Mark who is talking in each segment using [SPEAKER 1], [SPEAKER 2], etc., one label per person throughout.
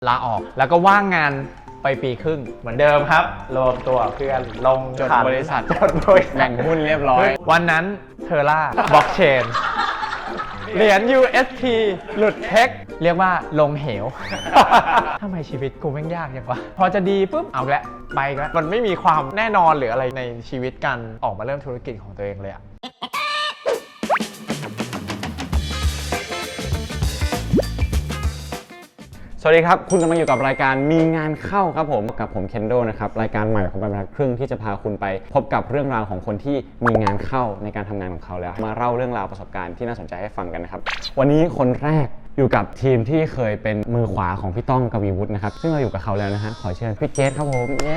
[SPEAKER 1] ลาออกแล้วก็ว่างงานไปปีครึ่งเหมือนเดิมครับรวมตัวเพื่อนลง
[SPEAKER 2] จดบริษัท
[SPEAKER 1] จดบริษัท
[SPEAKER 2] แบ่งหุ้นเรียบร้อย
[SPEAKER 1] วันนั้นเทอร่าบล็อกเชนเหรียญ UST หลุดเทคเรียกว่าลงเหว ทำไมชีวิตกูแม่งยากจังวะพอจะดีปุ๊บเอาละไปแล้วมันไม่มีความแน่นอนหรืออะไรในชีวิตการออกมาเริ่มธุรกิจของตัวเองเลยอะ
[SPEAKER 2] สวัสดีครับคุณกำลังอยู่กับรายการมีงานเข้าครับผมกับผมเคนโดนะครับรายการใหม่ของบรรทัดครึ่งที่จะพาคุณไปพบกับเรื่องราวของคนที่มีงานเข้าในการทำงานของเขาแล้วมาเล่าเรื่องราวประสบการณ์ที่น่าสนใจให้ฟังกันนะครับวันนี้คนแรกอยู่กับทีมที่เคยเป็นมือขวาของพี่ต้องกวีวุฒินะครับซึ่งเราอยู่กับเขาแล้วนะฮะขอเชิญพี่เกสครับผมเย้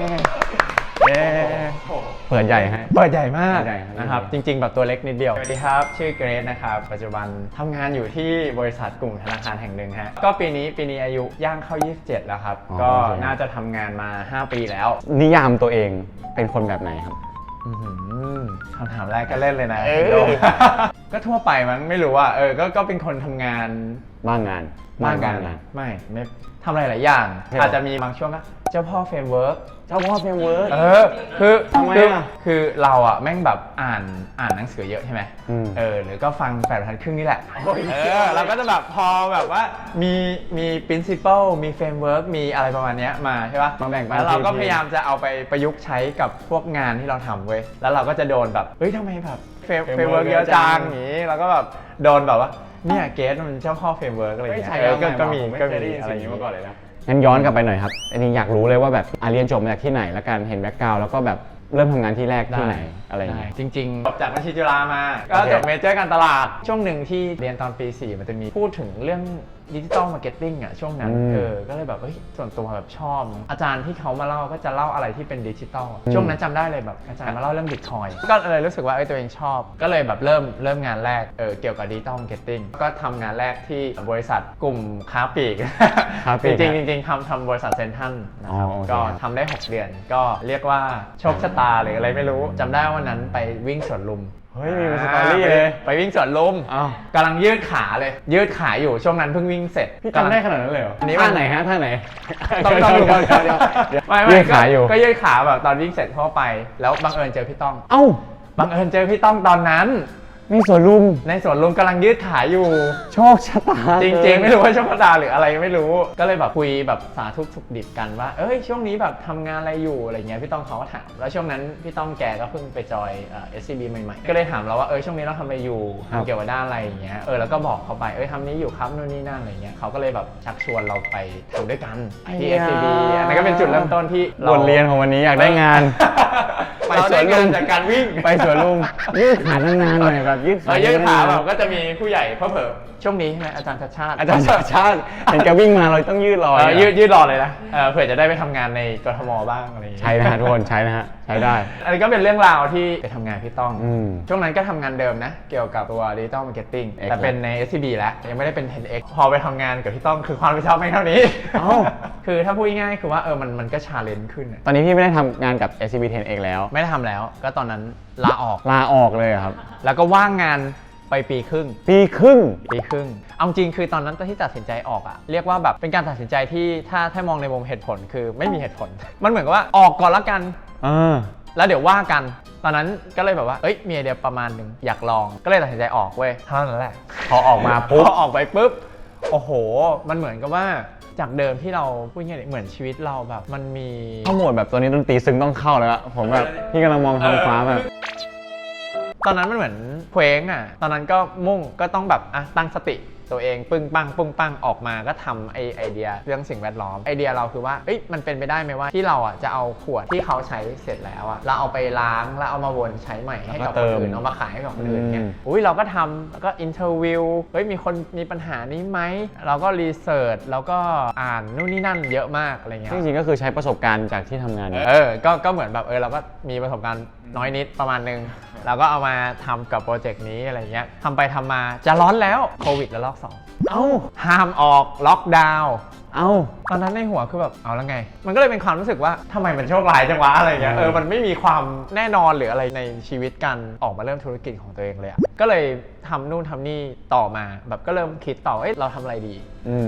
[SPEAKER 2] เปิดใหญ่ฮะ
[SPEAKER 1] เปิดใหญ่มาก
[SPEAKER 2] ใหญ่ครับ
[SPEAKER 1] นะครับจริงๆแบบตัวเล็กนิดเดียวสวัสดีครับชื่อเกรซนะครับปัจจุบันทำงานอยู่ที่บริษัทกลุ่มธนาคารแห่งหนึ่งฮะก็ปีนี้อายุย่างเข้า27แล้วครับก็น่าจะทำงานมา5 ปีแล้ว
[SPEAKER 2] นิยามตัวเองเป็นคนแบบไหนครับ
[SPEAKER 1] คำถามแรกก็เล่นเลยนะก็ทั่วไปมันไม่รู้ว่าก็เป็นคนทำงาน
[SPEAKER 2] บ้างงาน
[SPEAKER 1] ไม่ทำอะไรหลายอย่างอาจจะมีบางช่วงก็เจ้าพ่อเฟรมเวิร์ก
[SPEAKER 2] เจ้าพ่อเฟรมเวิร์ก
[SPEAKER 1] คือ
[SPEAKER 2] ทำไมอ่ะ
[SPEAKER 1] คือเราอ่ะแม่งแบบอ่านหนังสือเยอะใช่ไหมหรือก็ฟัง8 บรรทัดครึ่งนี่แหละเราก็จะแบบพอแบบว่ามี principle มี framework มีอะไรประมาณนี้มาใช่ป่ะ
[SPEAKER 2] มาแบ่งปัน
[SPEAKER 1] แล้วเราก็พยายามจะเอาไปประยุกต์ใช้กับพวกงานที่เราทำเว้ยแล้วเราก็จะโดนแบบเฮ้ยทำไมแบบ framework เยอะจังอย่างนี้เราก็แบบโดนแบบว่าเนี่ยเกสมันเจ้าพ่อ framework อะไรอย่างเงี้ยก็มีอะไรอย่างงี้มาก่อนเลยนะ
[SPEAKER 2] งั้นย้อนกลับไปหน่อยครับอันนี้อยากรู้เลยว่าแบบเรียนจบมาจากที่ไหนแล้วกันเห็นแบ็คกราวด์แล้วก็แบบเริ่มทำงานที่แรกที่ไหนอะไรอย่างเงี้ย
[SPEAKER 1] จริงๆจบจากบัญชีจุฬามาก็จบเมเจอร์การตลาดช่วงหนึ่งที่เรียนตอนปี 4มันจะมีพูดถึงเรื่องดิจิตอลมาร์เก็ตติ้งอ่ะช่วงนั้นก็เลยแบบส่วนตัวแบบชอบอาจารย์ที่เขามาเล่าก็จะเล่าอะไรที่เป็นดิจิตอลช่วงนั้นจำได้เลยแบบอาจารย์มาเล่าเรื่องบิตคอยน์ก็เลยรู้สึกว่าตัวเองชอบก็เลยแบบเริ่มงานแรกเกี่ยวกับดิจิตอลมาร์เก็ตติ้งก็ทำงานแรกที่บริษัทกลุ่มค้าปลีก จริงทำบริษัทเซ็นทรัลนะครับก็ทำได้6 เดือนก็เรียกว่าโชคชะตาหรืออะไรไม่รู้จำได้ว่าวันนั้นไปวิ่งสวนลุม
[SPEAKER 2] เฮ้ยมีสตอรี่เลย
[SPEAKER 1] ไปวิ่งสวนลุมกำลังยืดขาเลยยืดขาอยู่ช่วงนั้นเพิ่งวิ่งเสร็จ
[SPEAKER 2] พี่จำได้ขนาดนั้นเลยเหรอ
[SPEAKER 1] อันนี้
[SPEAKER 2] ท่าไหนฮะท่าไหน
[SPEAKER 1] ต้อง
[SPEAKER 2] เดี๋ยว
[SPEAKER 1] ไม่
[SPEAKER 2] ยืดขาอยู่
[SPEAKER 1] ก็ยืดขาแบบตอนวิ่งเสร็จทั่วไปแล้วบังเอิญเจอพี่ต้อง
[SPEAKER 2] เอ้า
[SPEAKER 1] บังเอิญเจอพี่ต้องตอนนั้น
[SPEAKER 2] ในสวนลุม
[SPEAKER 1] กำลังยืดขาอยู่
[SPEAKER 2] โชคชะตา
[SPEAKER 1] จริงๆไม่รู้ว่าโชคชะตาหรืออะไรไม่รู้ก็เลยแบบคุยแบบสาธุสุขดิบกันว่าช่วงนี้แบบทำงานอะไรอยู่อะไรเงี้ยพี่ต้องเขาก็ถามแล้วช่วงนั้นพี่ต้องแกก็เพิ่งไปจอยSCB ใหม่ๆก็เลยถามเราว่าช่วงนี้เราทำอะไรอยู่เกี่ยวกับด้านอะไรอย่างเงี้ยแล้วก็บอกเขาไปทำนี้อยู่ครับนู่นนี่นั่นอะไรเงี้ยเขาก็เลยแบบชักชวนเราไปทำด้วยกันที่ SCB อันนั้นก็เป็นจุดเริ่มต้นที่
[SPEAKER 2] บทเรียนของวันนี้อยากได้งาน
[SPEAKER 1] ไปสวนลุมจากการวิ่ง
[SPEAKER 2] ไปสวนลุมยืดขานานๆหน่อยแบบยืด
[SPEAKER 1] ขาแบบก็จะมีผู้ใหญ่เผลอช่วงนี้ใช่ไหมอาจารย์ชัดชาติ
[SPEAKER 2] เห็นแกวิ่งมาเราต้องยืดรอ
[SPEAKER 1] ยืดรอเลยนะเผื่อจะได้ไปทำงานในกทมบ้างอะไรอย่างเงี้ย
[SPEAKER 2] ใช่นะฮะทุกคนใช้นะฮะใช้ได้
[SPEAKER 1] อันนี้ก็เป็นเรื่องราวที่ไปทำงานพี่ต้องช่วงนั้นก็ทำงานเดิมนะเกี่ยวกับตัว Digital Marketing แต่เป็นใน SCB แล้วยังไม่ได้เป็น 10X พอไปทำงานกับพี่ต้องคือความรับผิดชอบไม่เท่านี้คือถ้าพูดง่ายๆคือว่ามันก็ชาเลนจ์ขึ้น
[SPEAKER 2] ตอนนี้พี่ไม่ได้ทำงานกับ SCB 10X แล้ว
[SPEAKER 1] ไม่ได้ทำแล้วก็ตอนนั้นลาออก
[SPEAKER 2] เลยครับ
[SPEAKER 1] แล้วก็ว่างงานไปปีครึ่งเอาจริงคือตอนนั้นที่ตัดสินใจออกอะเรียกว่าแบบเป็นการตัดสินใจที่ถ้ามองในมุมเหตุผลคือไม่มีเหตุผลมันเหมือนกับว่าออกก่อนละกันแล้วเดี๋ยวว่ากันตอนนั้นก็เลยแบบว่ามีไอเดียประมาณนึงอยากลองก็เลยตัดสินใจออกเว้ยเท่านั้นแหละ
[SPEAKER 2] พอออกมาปุ๊บ
[SPEAKER 1] พอออกไปปุ๊บโอ้โหมันเหมือนกับว่าจากเดิมที่เราพูดง่ายๆเหมือนชีวิตเราแบบมันมี
[SPEAKER 2] ข้อมูลแบบตัวนี้ดนตรีซึ้งต้องเข้าแล้วอะผมแบบพี่กำลังมองท้องฟ้าแบบ
[SPEAKER 1] ตอนนั้นมันเหมือนเคว้งอ่ะตอนนั้นก็มุ่งก็ต้องแบบตั้งสติตัวเองปึ้งปังออกมาก็ทำไอเดียเรื่องสิ่งแวดล้อมไอเดียเราคือว่ามันเป็นไปได้ไหมว่าที่เราอ่ะจะเอาขวดที่เขาใช้เสร็จแล้วอ่ะเราเอาไปล้างแล้วเอามาวนใช้ใหม่ให้กับคนอื่นเอามาขายให้กับคนอื่นเนี่ยเราก็ทำแล้วก็อินเทอร์วิวมีคนมีปัญหานี้ไหมเราก็รีเสิร์ชแล้วก็อ่านนู่นนี่นั่นเยอะมากอะไรเงี้ย
[SPEAKER 2] จริงๆก็คือใช้ประสบการณ์จากที่ทำงาน
[SPEAKER 1] ก็เหมือนแบบเราก็มีประสบการณ์น้อยนิดประมาณนึงเราก็เอามาทำกับโปรเจกต์นี้อะไรเงี้ยทำไปทำมาจะร้อนแล้วโควิดแล้วรอบ 2ห้ามออกล็อกดาวน์ตอนนั้นในหัวคือแบบเอาแล้วไงมันก็เลยเป็นความรู้สึกว่าทำไมมันโชคร้ายจังวะอะไรเงี้ยมันไม่มีความแน่นอนหรืออะไรในชีวิตการออกมาเริ่มธุรกิจของตัวเองเลยก็เลยทำนู่นทำนี่ต่อมาแบบก็เริ่มคิดต่อเราทำอะไรดี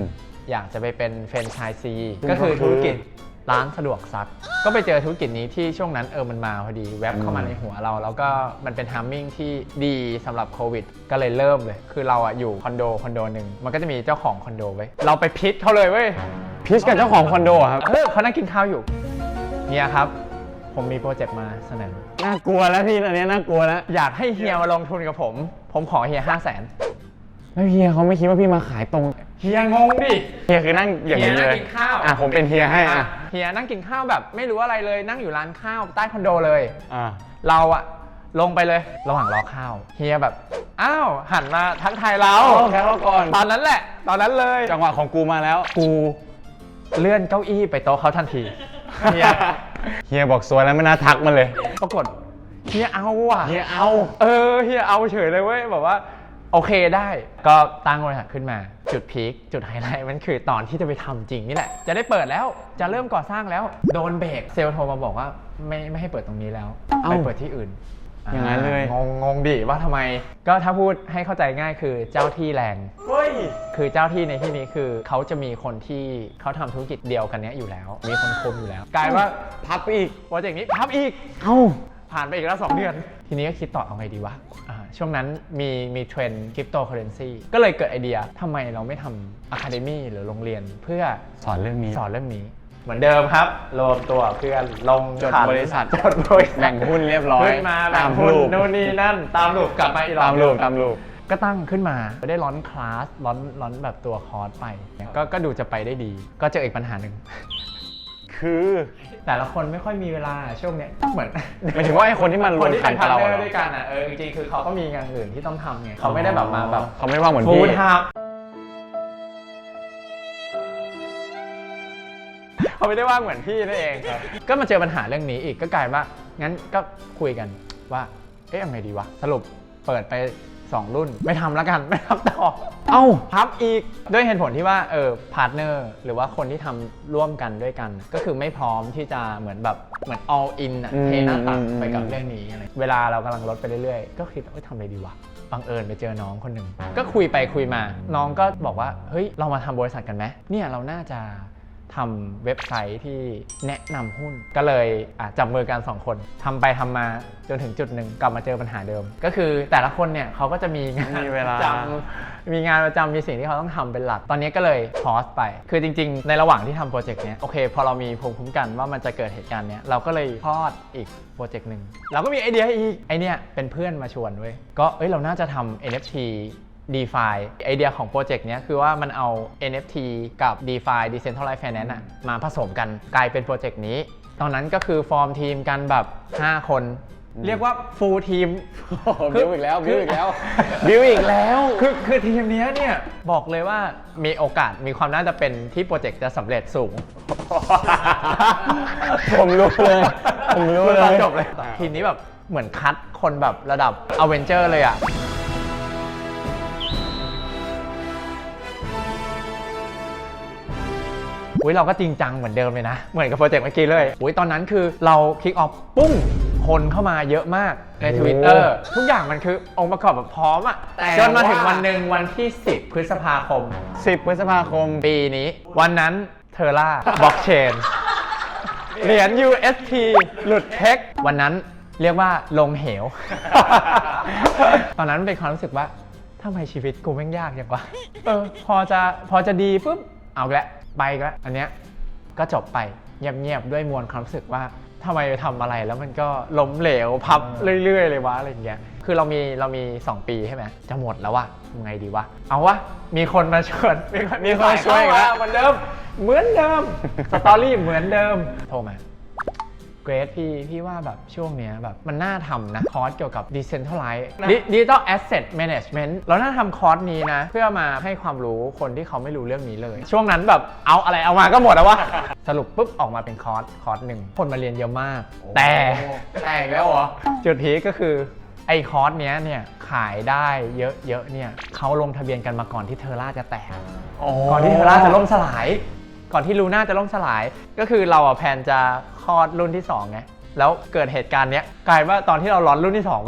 [SPEAKER 1] อยากจะไปเป็นแฟรนไชส์ซีก็คือธุรกิจร้านสะดวกซักก็ไปเจอธุรกิจนี้ที่ช่วงนั้นมันมาพอดีแวบเข้ามาในหัวเราแล้วก็มันเป็นทัมมิ่งที่ดีสำหรับโควิดก็เลยเริ่มเลยคือเราอยู่คอนโดหนึ่งมันก็จะมีเจ้าของคอนโดไว้เราไปพิชเขาเลยเว้ย
[SPEAKER 2] พิชกับเจ้าของคอนโดครับ
[SPEAKER 1] เขานั่งกินข้าวอยู่เฮียครับผมมีโปรเจกต์มาเสนอ
[SPEAKER 2] น่ากลัวแล้วพี่ตอนนี้น่ากลัวแล้ว
[SPEAKER 1] อยากให้เฮียมาลงทุนกับผมขอเฮีย500,000
[SPEAKER 2] แล้วเฮียเขาไม่คิดว่าพี่มาขายตรง
[SPEAKER 1] เฮียงงดิ
[SPEAKER 2] เฮียคือนั่งอย่างนี้เลย
[SPEAKER 1] เฮียนั่งกินข้าว
[SPEAKER 2] ผมเป็นเฮียให้
[SPEAKER 1] เฮียนั่งกินข้าวแบบไม่รู้อะไรเลยนั่งอยู่ร้านข้าวใต้คอนโดเลย
[SPEAKER 2] อ่า
[SPEAKER 1] เราลงไปเลยระหว่างรอข้าวเฮียแบบอ้าวหันมาทักทายเรา
[SPEAKER 2] แค่เราก่อน
[SPEAKER 1] ตอนนั้นแหละตอนนั้นเลย
[SPEAKER 2] จังหวะของกูมาแล้ว
[SPEAKER 1] กูเลื่อนเก้าอี้ไปโต๊ะเขาทันทีเฮีย
[SPEAKER 2] เฮียบอกสวยแล้วไม่น่าทักมาเลย
[SPEAKER 1] ปรากฏเฮียเอาว่ะ
[SPEAKER 2] เฮียเอา
[SPEAKER 1] เฮียเอาเฉยเลยเว้ยแบบว่าโอเคได้ก็ตั้งบริษัทขึ้นมาจุดพีคจุดไฮไลท์มันคือตอนที่จะไปทำจริงนี่แหละจะได้เปิดแล้วจะเริ่มก่อสร้างแล้วโดนเบรกเซลล์โทรมาบอกว่าไม่ให้เปิดตรงนี้แล้วไปเปิดที่อื่น
[SPEAKER 2] อย่างนั้นเลย
[SPEAKER 1] งงดิว่าทำไมก็ถ้าพูดให้เข้าใจง่ายคือเจ้าที่แรง
[SPEAKER 2] เฮ้ย
[SPEAKER 1] คือเจ้าที่ในที่นี้คือเขาจะมีคนที่เขาทำธุรกิจเดียวกันเนี้ยอยู่แล้วมีคนคุมอยู่แล้วกลายว่า
[SPEAKER 2] พับอีก
[SPEAKER 1] โปรเจกต์นี้พับอีก
[SPEAKER 2] เอ้า
[SPEAKER 1] ผ่านไปอีกแล้ว2 เดือน ทีนี้ก็คิดต่อเอาไงดีวะช่วงนั้นมีเทรนด์คริปโตเคอเรนซีก็เลยเกิดไอเดียทำไมเราไม่ทำอะคาเดมี่หรือโรงเรียนเพื่อ
[SPEAKER 2] สอนเรื่องนี้
[SPEAKER 1] สอนเรื่องนี้ เหมือนเดิมครับรวมตัวเพื่อนลง
[SPEAKER 2] จด
[SPEAKER 1] ขัน
[SPEAKER 2] บริษัท
[SPEAKER 1] จดบริษัท
[SPEAKER 2] แบ่งหุ้นเรียบร้อย
[SPEAKER 1] ขึ้นมาแบ่งหุ้นนู่นนี่นั่นตามรูปกลับมาอีกรอบ
[SPEAKER 2] ตามรูป
[SPEAKER 1] ก็ตั้งขึ้นมาได้ร้อนคลาสร้อนแบบตัวคอร์สไปก็ดูจะไปได้ดี ก็เจออีกปัญหาหนึ่ง
[SPEAKER 2] คือ
[SPEAKER 1] แต่ละคนไม่ค่อยมีเวลาช่วงเนี้ยเหมือน
[SPEAKER 2] หมายถึงว่าไอ้คนที่มัน
[SPEAKER 1] คนที่เป็นพาร์ทเนอ
[SPEAKER 2] เหร
[SPEAKER 1] ร์
[SPEAKER 2] อ
[SPEAKER 1] ด้วยกันจริงๆคือเขาก็มีงานอื่นที่ต้องทำไงเขาไม่ได้แบบมาแบบ
[SPEAKER 2] เขาไม่ว่างเหมือน
[SPEAKER 1] ฟู
[SPEAKER 2] พี่
[SPEAKER 1] ลไทม์เขาไม่ได้ว่างเหมือนพี่นั่นเองก็มาเจอปัญหาเรื่องนี้อีกก็กลายว่างั้นก็คุยกันว่ายังไงดีวะสรุปเปิดไป2 รุ่นไม่ทำแล้วกันไม่ทำต่อพับอีกด้วยเหตุผลที่ว่าพาร์ทเนอร์หรือว่าคนที่ทำร่วมกันด้วยกัน ก็คือไม่พร้อมที่จะเหมือน all in เทหน้าตักไปกับเรื่องนี้อะไรเวลาเรากำลังลดไปเรื่อยๆก็คิดว่าทำอะไรดีวะบังเอิญไปเจอน้องคนหนึ่งก็คุยไปคุยมาน้องก็บอกว่าเฮ้ยเรามาทำบริษัทกันไหมเนี่ยเราน่าจะทำเว็บไซต์ที่แนะนำหุ้นก็เลยจับมือกัน2 คนทำไปทำมาจนถึงจุดหนึ่งกลับมาเจอปัญหาเดิมก็คือแต่ละคนเนี่ยเขาก็จะมีงาน
[SPEAKER 2] มีเวลา
[SPEAKER 1] มีงานประจำมีสิ่งที่เขาต้องทำเป็นหลักตอนนี้ก็เลยพอสไปคือจริงๆในระหว่างที่ทำโปรเจกต์เนี้ยโอเคพอเรามีภูมิคุ้มกันว่ามันจะเกิดเหตุการณ์เนี้ยเราก็เลยพอดอีกโปรเจกต์หนึ่งเราก็มีไอเดียอีกไอเนี้ยเป็นเพื่อนมาชวนเว้ยก็เราน่าจะทำ NFT DeFi ไอเดียของโปรเจกต์นี้คือว่ามันเอา NFT กับ DeFi Decentralized Finance มาผสมกันกลายเป็นโปรเจกต์นี้ตอนนั้นก็คือฟอร์มทีมกันแบบ5 คนเรียกว่า full ทีม
[SPEAKER 2] บิวอีกแล้วบิวอีกแล้ว
[SPEAKER 1] คือทีมนี้เนี่ยบอกเลยว่ามีโอกาสมีความน่าจะเป็นที่โปรเจกต์จะสำเร็จสูง
[SPEAKER 2] ผมรู้เลย
[SPEAKER 1] ตอนจบเลยทีมนี้แบบเหมือนคัดคนแบบระดับอเวนเจอร์เลยอะเราก็จริงจังเหมือนเดิมเลยนะเหมือนกับโปรเจกต์เมื่อกี้เลยตอนนั้นคือเราคิกออฟปุ้งคนเข้ามาเยอะมากใน Twitter ทุกอย่างมันคือองค์ประกอบแบบพร้อมอะจนมาถึงวันหนึ่งวันที่10 พฤษภาคมปีนี้วันนั้นเทอร่าบล็อกเชนเหรียญ UST หลุดเทควันนั้นเรียกว่าลงเหว ตอนนั้นเป็นความรู้สึกว่าทำไมชีวิตกูแม่งยากอย่างวะพอจะดีปุ๊บเอาละไปแล้วอันเนี้ยก็จบไปเงียบๆด้วยมวลความรู้สึกว่าทำไมทำอะไรแล้วมันก็ล้มเหลวพับเรื่อยๆเลยวะอะไรอย่างเงี้ยคือเรามี2 ปีใช่ไหมจะหมดแล้ววะทำไงดีวะเอาวะมีคนมาชวนมีคนช่วยแล้วเหมือนเดิมสตอรี่เหมือนเดิมโทรมาเกรดพี่ว่าแบบช่วงเนี้ยแบบมันน่าทำนะคอร์สเกี่ยวกับ Decentralized Digital Asset Management เราน่าทำคอร์สนี้นะเพื่อมาให้ความรู้คนที่เขาไม่รู้เรื่องนี้เลยช่วงนั้นแบบเอาอะไรเอามาก็หมดแล้ววะสรุปปุ๊บออกมาเป็นคอร์สหนึ่งคนมาเรียนเยอะมากแต่อีกแล้วเหรอจุดพีคก็คือไอ้คอร์สเนี้ยเนี่ยขายได้เยอะๆเนี่ยเขาลงทะเบียนกันมาก่อนที่เทอร่าจะแตกก่อนที่เทอร่าจะล่มสลายก่อนที่ลูน่าจะล่มสลายก็คือเราแพลนจะคลอดรุ่นที่2ไงแล้วเกิดเหตุการณ์เนี้ยกลายว่าตอนที่เราร้อนรุ่นที่2ไป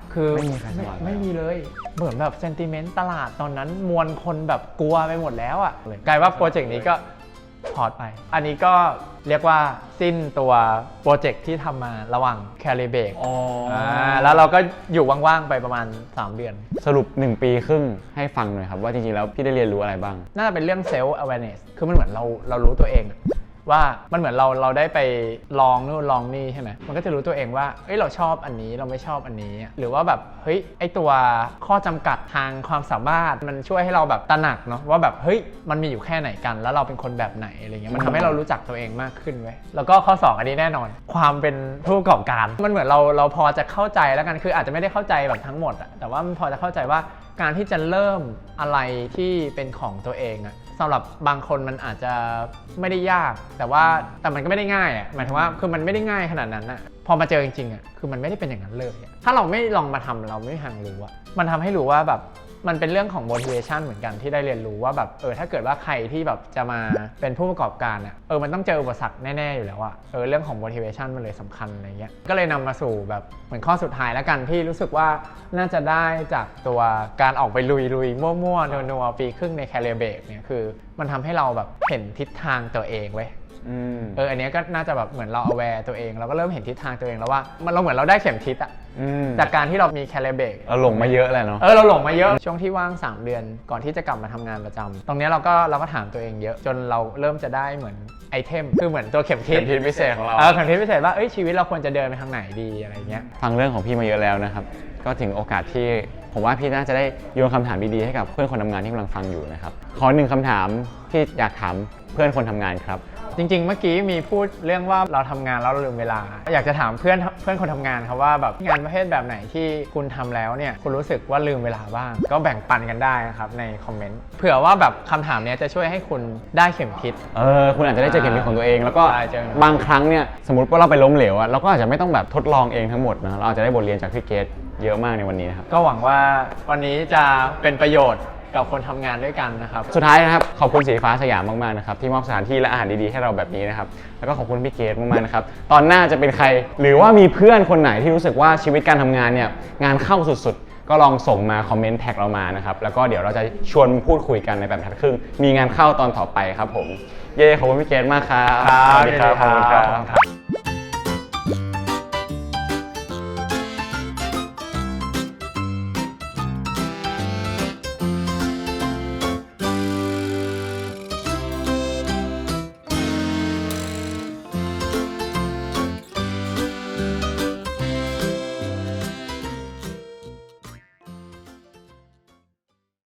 [SPEAKER 1] คือ
[SPEAKER 2] ไม่มีใครสบาย
[SPEAKER 1] ไม่มีเลย เหมือนแบบเซนติเมนต์ตลาดตอนนั้นมวลคนแบบกลัวไปหมดแล้วอ่ะกลายว่าโปรเจกต์นี้ก็พอร์ตไป อันนี้ก็เรียกว่าสิ้นตัวโปรเจกต์ที่ทำมาระหว่างแคลิเบกแล้วเราก็อยู่ว่างๆไปประมาณ3เดือน
[SPEAKER 2] สรุป1 ปีครึ่งให้ฟังหน่อยครับว่าจริงๆแล้วพี่ได้เรียนรู้อะไรบ้าง
[SPEAKER 1] น่าจะเป็นเรื่อง self awareness คือมันเหมือนเรารู้ตัวเองว่ามันเหมือนเราได้ไปลองนู่นลองนี่ใช่ไหมมันก็จะรู้ตัวเองว่าเอ้ยเราชอบอันนี้เราไม่ชอบอันนี้หรือว่าแบบเฮ้ยไอตัวข้อจำกัดทางความสามารถมันช่วยให้เราแบบตระหนักเนาะว่าแบบเฮ้ยมันมีอยู่แค่ไหนกันแล้วเราเป็นคนแบบไหนอะไรเงี้ยมันทำให้เรารู้จักตัวเองมากขึ้นเว้ยแล้วก็ข้อ2อันนี้แน่นอนความเป็นผู้ประกอบการมันเหมือนเราพอจะเข้าใจแล้วกันคืออาจจะไม่ได้เข้าใจแบบทั้งหมดอะแต่ว่ามันพอจะเข้าใจว่าการที่จะเริ่มอะไรที่เป็นของตัวเองอะสำหรับบางคนมันอาจจะไม่ได้ยากแต่มันก็ไม่ได้ง่ายอ่ะหมายถึงว่าคือมันไม่ได้ง่ายขนาดนั้นอ่ะพอมาเจอจริงๆอ่ะคือมันไม่ได้เป็นอย่างนั้นเลยถ้าเราไม่ลองมาทำเราไม่มีทางรู้อ่ะมันทำให้รู้ว่าแบบมันเป็นเรื่องของ motivation เหมือนกันที่ได้เรียนรู้ว่าแบบถ้าเกิดว่าใครที่แบบจะมาเป็นผู้ประกอบการอ่ะมันต้องเจออุปสรรคแน่ๆอยู่แล้วอ่ะเรื่องของ motivation มันเลยสำคัญอะไรเงี้ยก็เลยนำมาสู่แบบเหมือนข้อสุดท้ายแล้วกันที่รู้สึกว่าน่าจะได้จากตัวการออกไปลุยมั่วๆนัวๆปีครึ่งในแคลิเบกเนี่ยคือมันทำให้เราแบบเห็นทิศทางตัวเองเว้ยอันนี้ก็น่าจะแบบเหมือนเรา aware ตัวเองเราก็เริ่มเห็นทิศทางตัวเองแล้วว่าเราเหมือนเราได้เข็มทิศอะจากการที่เรามีแคลิเบก
[SPEAKER 2] เราหลงมาเยอะเลยเนาะ
[SPEAKER 1] เราหลงมาเยอะช่วงที่ว่าง3เดือนก่อนที่จะกลับมาทำงานประจำตรงนี้เราก็ถามตัวเองเยอะจนเราเริ่มจะได้เหมือนไอเทมคือเหมือนตัวเข็มทิศ
[SPEAKER 2] พิเศษของเรา
[SPEAKER 1] เข็มทิศพิเศษว่าชีวิตเราควรจะเดินไปทางไหนดีอะไรเงี้ย
[SPEAKER 2] ฟังเรื่องของพี่มาเยอะแล้วนะครับก็ถึงโอกาสที่ผมว่าพี่น่าจะได้โยนคำถามดีๆให้กับเพื่อนคนทำงานที่กำลังฟังอยู่นะครับขอ1 คำถามที่อยากถามเพื่อนคนทำงานครับ
[SPEAKER 1] จริงๆเมื่อกี้มีพูดเรื่องว่าเราทำงานแล้วเราลืมเวลาอยากจะถามเพื่อนคนทำงานครับว่าแบบงานประเภทแบบไหนที่คุณทำแล้วเนี่ยคุณรู้สึกว่าลืมเวลาบ้างก็แบ่งปันกันได้นะครับในคอมเมนต์เผื่อว่าแบบคำถามนี้จะช่วยให้คุณได้เข็มทิศ
[SPEAKER 2] คุณอาจจะได้เจอเข็มทิศของตัวเองแล้วก็บางครั้งเนี่ยสมมติว่าเราไปล้มเหลวอะเราก็อาจจะไม่ต้องแบบทดลองเองทั้งหมดนะเราอาจจะได้บทเรียนจากพี่เกตเยอะมากในวันนี้นะครับ
[SPEAKER 1] ก็หวังว่าวันนี้จะเป็นประโยชน์กับคนทำงานด้วยกันนะครับ
[SPEAKER 2] สุดท้ายนะครับขอบคุณสีฟ้าสยามมากๆนะครับที่มอบสถานที่และอาหารดีๆให้เราแบบนี้นะครับแล้วก็ขอบคุณพี่เกตมากๆนะครับตอนหน้าจะเป็นใครหรือว่ามีเพื่อนคนไหนที่รู้สึกว่าชีวิตการทำงานเนี่ยงานเข้าสุดๆก็ลองส่งมาคอมเมนต์แท็กเรามานะครับแล้วก็เดี๋ยวเราจะชวนพูดคุยกันในแบบทัดครึ่งมีงานเข้าตอนต่อไปครับผมขอบคุณพี่เกตมากครับ
[SPEAKER 1] สวัสดีครับขอบคุณครับ